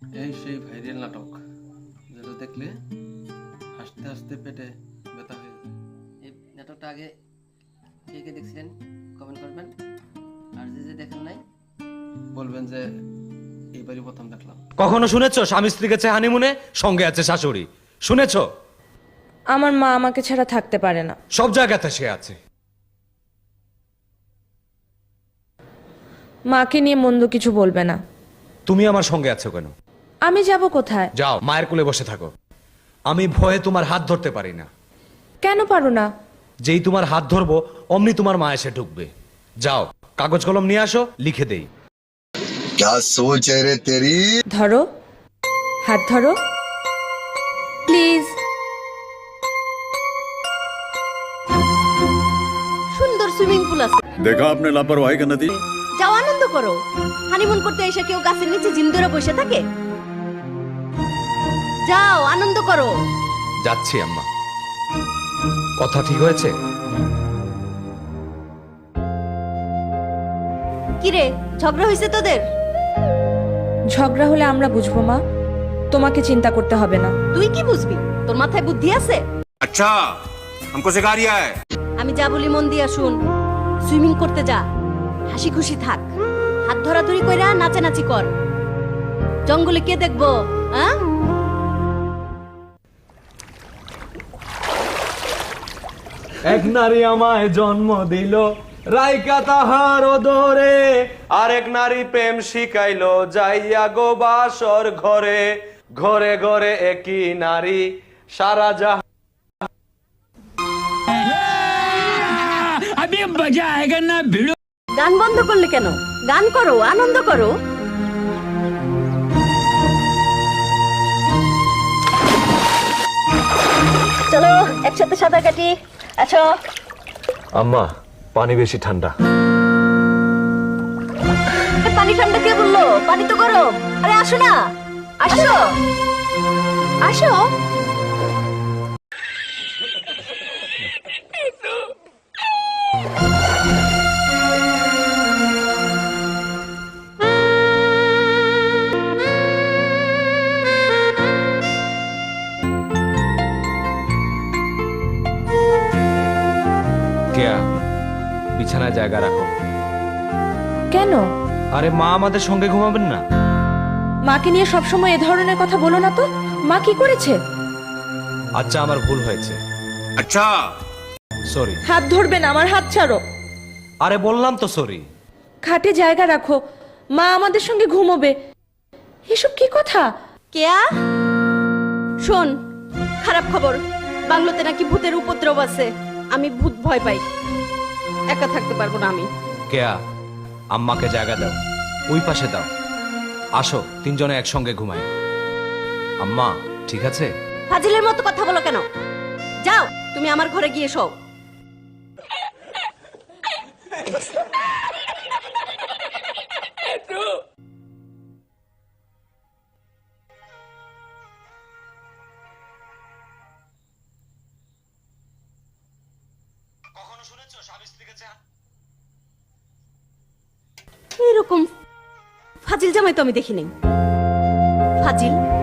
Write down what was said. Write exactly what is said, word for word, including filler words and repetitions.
এই সেই ভাইরাল নাটক যেটা দেখলে হাসতে হাসতে পেটে ব্যথা হয়ে যায়। এই নাটকটা আগে কে কে দেখছিলেন কমেন্ট করবেন, আর যে যে দেখেন নাই বলবেন যে এইবারই প্রথম দেখলাম। কখনো শুনেছো স্বামী স্ত্রী গেছে হানিমুনে, সঙ্গে আছে শাশুড়ি? শুনেছো? আমার মা আমাকে ছাড়া থাকতে পারে না। সব জায়গাতে সে আছে। মাকে নিয়ে মন্দ কিছু বলবে না। তুমি আমার সঙ্গে আছো কেন? আমি যাব কোথায়? যাও মায়ের কোলে বসে থাকো। আমি ভয়ে তোমার হাত ধরতে পারি না। কেন পারো না? যেই তোমার হাত ধরবো অমনি তোমার মা এসে ঢুকবে। যাও কাগজ কলম নিয়ে আসো, লিখে দেই। क्या सोच है रे तेरी? ধরো, হাত ধরো প্লিজ। সুন্দর সুইমিং পুল আছে, देखा आपने लापरवाही का नतीजा। যাও আনন্দ করো। হানিমুন করতে এসে কেউ গাছের নিচে জিম ধরে বসে থাকে? যাও আনন্দ করো। যাচ্ছি আম্মা। কথা ঠিক হয়েছে? কিরে, ঝগড়া হয়েছে তোদের? ঝগড়া হলে আমরা বুঝবো মা, তোমাকে চিন্তা করতে হবে না। তুই কি বুঝবি? তোর মাথায় বুদ্ধি আছে? अच्छा हमको सिखा रिया है। আমি যা বলি মন দিয়া শুন। সুইমিং করতে যা, হাসি খুশি থাক, হাত ধরাধরি কইরা নাচানাচি কর। জঙ্গলে কে দেখবো? হ্যাঁ, এক নারী আমায় জন্ম দিল, রাইকা তাহার ওদরে, আরেক নারী প্রেম শিখাইলো, যাইয়া গো বাসর ঘরে। ঘরে ঘরে একই নারী, সারা জাহান। গান বন্ধ করলে কেন? গান করো, আনন্দ করো। চলো একসাথে সাঁতার কাটি। আচ্ছা আম্মা পানি বেশি ঠান্ডা। পানি ঠান্ডা কে বললো? পানি তো গরম। আরে আসো না, আসো আসো। কেয়া, বিছানায় জায়গা রাখো। কেন? আরে মা আমাদের সঙ্গে ঘুমাবেন না? মাকে নিয়ে সবসময় এ ধরনের কথা বলো না তো। মা কি করেছে? আচ্ছা আমার ভুল হয়েছে, अच्छा সরি। হাত ধরবে না, আমার হাত ছাড়ো। আরে বললাম তো সরি। খাটে জায়গা রাখো, মা আমাদের সঙ্গে ঘুমোবে। এসব কি কথা? কেয়া, শোন, খারাপ খবর। বাংলোতে নাকি ভূতের উপদ্রব আছে। আমি ভূত ভয় পাই, একা থাকতে পারবো না আমি। কেয়া, আম্মাকে জায়গা দাও, ওই পাশে দাও। আসো তিনজনে একসঙ্গে ঘুমাই। আম্মা ঠিক আছে? ফাজিলের মতো কথা বলো কেন? যাও তুমি আমার ঘরে গিয়ে শোও। কখনো শুনেছো স্বামী স্ত্রী গেছে? এরকম ফাজিল জামাই তো আমি দেখিনি। ফাজিল